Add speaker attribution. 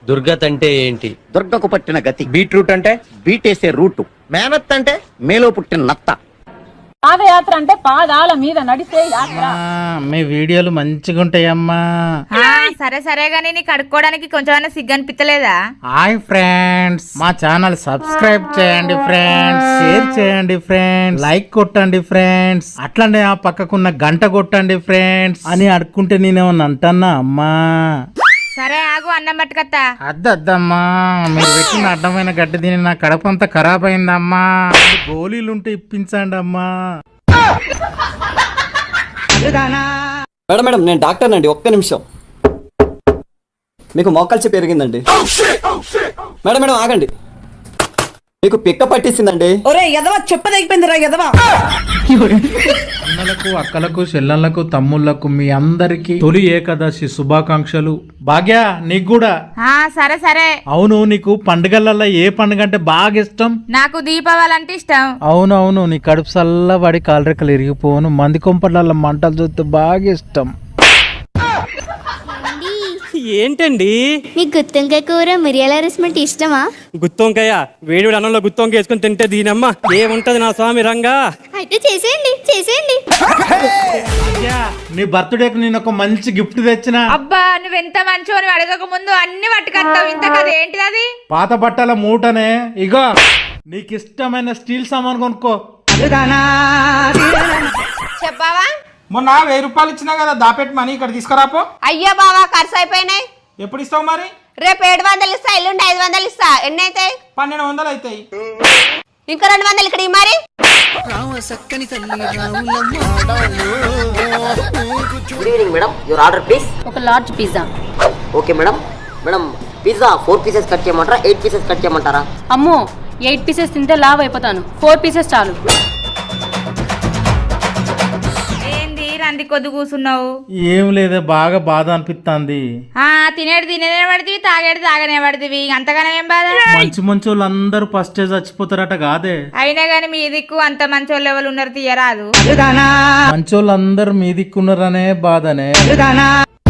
Speaker 1: దుర్గత్ అంటే ఏంటి?
Speaker 2: దుర్గకు పట్టిన గతి.
Speaker 3: బీట్రూట్ అంటే
Speaker 2: బీటేసే రూటు.
Speaker 3: మేనత్ అంటే
Speaker 2: మేలో పుట్టిన నత్త.
Speaker 4: పాదయాత్ర అంటే పాదాల మీద నడిచే యాత్ర.
Speaker 5: మీ వీడియోలు మంచిగా ఉంటాయమ్మా.
Speaker 6: సరే సరే గానీ నీకు కడుక్కోవడానికి కొంచెమైనా సిగ్గు అనిపించలేదా?
Speaker 5: హాయ్ ఫ్రెండ్స్, మా ఛానల్ సబ్స్క్రైబ్ చేయండి ఫ్రెండ్స్, షేర్ చేయండి ఫ్రెండ్స్, లైక్ కొట్టండి ఫ్రెండ్స్, అట్లనే ఆ పక్కకున్న గంట కొట్టండి ఫ్రెండ్స్ అని అడుక్కుంటే నేనేమన్నా అంటన్నా అమ్మా?
Speaker 6: సరే ఆగు, అన్నం పట్టుకత్తా.
Speaker 5: అద్దమ్మా, మీరు పెట్టిన అడ్డమైన గడ్డి తిని నా కడపంతా ఖరాబ్ అయిందమ్మా. గోళీలుంటే ఇప్పించండి అమ్మా.
Speaker 7: మేడం మేడం నేను డాక్టర్ అండి, ఒక్క నిమిషం. మీకు మోకాల్చి పెరిగిందండి. మేడం మేడం ఆగండి, మీకు పిక్క పట్టేసిందండి.
Speaker 5: అన్నలకు, అక్కలకు, చెల్లెళ్లకు, తమ్ముళ్లకు మీ అందరికి తొలి ఏకాదశి శుభాకాంక్షలు. భాగ్య నీకు కూడా.
Speaker 6: సరే సరే.
Speaker 5: అవును, నీకు పండుగలలో ఏ పండుగ అంటే బాగా ఇష్టం?
Speaker 6: నాకు దీపావళి అంటే ఇష్టం.
Speaker 5: అవునవును, నీ కడుపు చల్లబడి కాలరెక్కలు ఇరిగిపోను, మంది కొంపట్ల మంటలు చూస్తే బాగా ఇష్టం.
Speaker 1: ఏంటండి?
Speaker 8: మీకు గుత్తొంకాయ కూర మిరియాల రసం ఇష్టమా?
Speaker 1: గుత్తొంకాయ వేడి అన్నంలో గుత్తొంకాయ వేసుకుని తింటే దీనమ్మ ఏముంటది నా స్వామి రంగా.
Speaker 8: అయితే చేసేయండి చేసేయండి.
Speaker 5: నీ బర్త్డేకి నేను ఒక మంచి గిఫ్ట్ తెచ్చిన.
Speaker 6: అబ్బా నువ్వెంత మంచో, నువ్వు అడగక ముందు అన్ని పట్టుకొస్తావు. ఇంత కదా ఏంటిది అది?
Speaker 5: పాత బట్టల మూటనే. ఇగో నీకు ఇష్టమైన స్టీల్ సామాన్ కొనుక్కో.
Speaker 6: చెప్పావా?
Speaker 3: మొన్న 1000 రూపాయలు ఇచ్చినా కదా, దాపెట్టి మనీ ఇక్కడ తీసుకురాపో.
Speaker 6: అయ్యో బావా, ఖర్చు అయిపోయినాయి.
Speaker 3: ఎప్పుడు ఇస్తావు మరి?
Speaker 6: రేపు 700 ఇస్తా, ఎల్లుండి 500 ఇస్తా. ఎన్ని అవుతాయి?
Speaker 3: 1200 అవుతాయి.
Speaker 6: ఇంకా 200 ఇక్కడ మరి.
Speaker 9: Good evening madam, your order please.
Speaker 4: ఒక large pizza.
Speaker 9: Okay madam. Madam pizza 4 pieces cut చేయమంటారా, 8 పీసెస్ కట్ చేయమంటారా?
Speaker 4: అమ్మో, 8 పీసెస్ తింటే లావ్ అయిపోతాను. 4 పీసెస్ చాలు.
Speaker 6: ఏంది రంది కొద్ది కూర్చున్నావు?
Speaker 5: ఏం లేదే, బాగా బాధ అనిపిస్తుంది.
Speaker 6: తినేది తినేదే పడుతుంది, తాగేది తాగనే పడుతుంది. అంతగానే ఏం బాధ?
Speaker 5: మంచి మంచి వాళ్ళందరూ ఫస్ట్ చచ్చిపోతారట కాదే.
Speaker 6: అయినా గాని మీ దిక్కు అంత మంచి వాళ్ళు ఎవరు ఉన్నారు తీయరాదు.
Speaker 5: మంచి వాళ్ళందరూ మీ దిక్కున్నారనే బాధనే.